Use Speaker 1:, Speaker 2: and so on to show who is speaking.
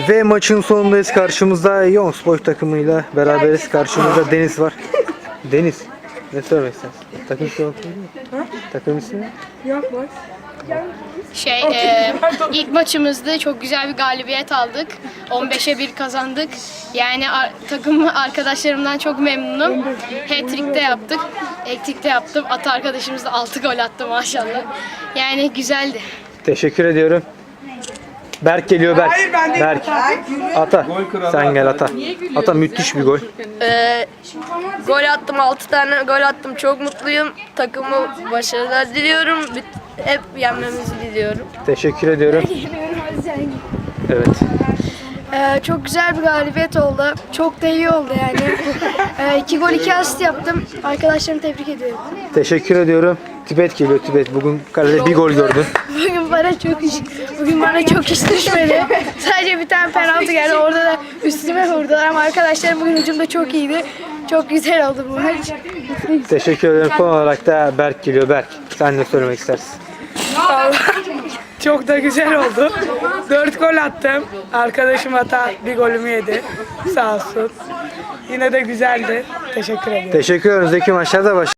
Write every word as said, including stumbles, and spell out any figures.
Speaker 1: Ve maçın sonundayız. Karşımızda Youngspor takımıyla beraberiz. Karşımızda Deniz var. Deniz, ne söylemek istersin? Takım ismi yok mu? Takım ismi?
Speaker 2: Yok boş.
Speaker 3: Şey, e, ilk maçımızda çok güzel bir galibiyet aldık. on beşe bir kazandık. Yani ar- takım arkadaşlarımdan çok memnunum. Hat-trick de yaptık. Hat-trick de yaptım. Ata arkadaşımız da altı gol attı maşallah. Yani güzeldi.
Speaker 1: Teşekkür ediyorum. Berk geliyor Berk.
Speaker 2: Hayır, ben de-
Speaker 1: Berk. Ata. Sen gel Ata. Ata müthiş bir gol.
Speaker 4: Ee, gol attım, altı tane gol attım. Çok mutluyum. Takımı başarılar diliyorum. Hep yenmemizi diliyorum.
Speaker 1: Teşekkür ediyorum. Evet.
Speaker 5: Ee, çok güzel bir galibiyet oldu. Çok da iyi oldu yani. Ee, iki gol iki asist yaptım. Arkadaşlarımı tebrik ediyorum.
Speaker 1: Teşekkür ediyorum. Tibet geliyor Tibet. Bugün kalede bir gol gördün.
Speaker 5: Bugün bana çok iş, bugün bana çok iş düşmedi. Sadece bir tane penaltı geldi. Orada da üstüme vurdular ama arkadaşlarım bugün hücumda çok iyiydi. Çok güzel oldu bu maç.
Speaker 1: Teşekkür ederim. Son olarak da Berk geliyor. Berk, sen ne söylemek istersin?
Speaker 2: Çok da güzel oldu. Dört gol attım. Arkadaşım Ata bir golümü yedi. Sağ olsun. Yine de güzeldi. Teşekkür ederim.
Speaker 1: Teşekkür ederim. Zeki maçlarda baş.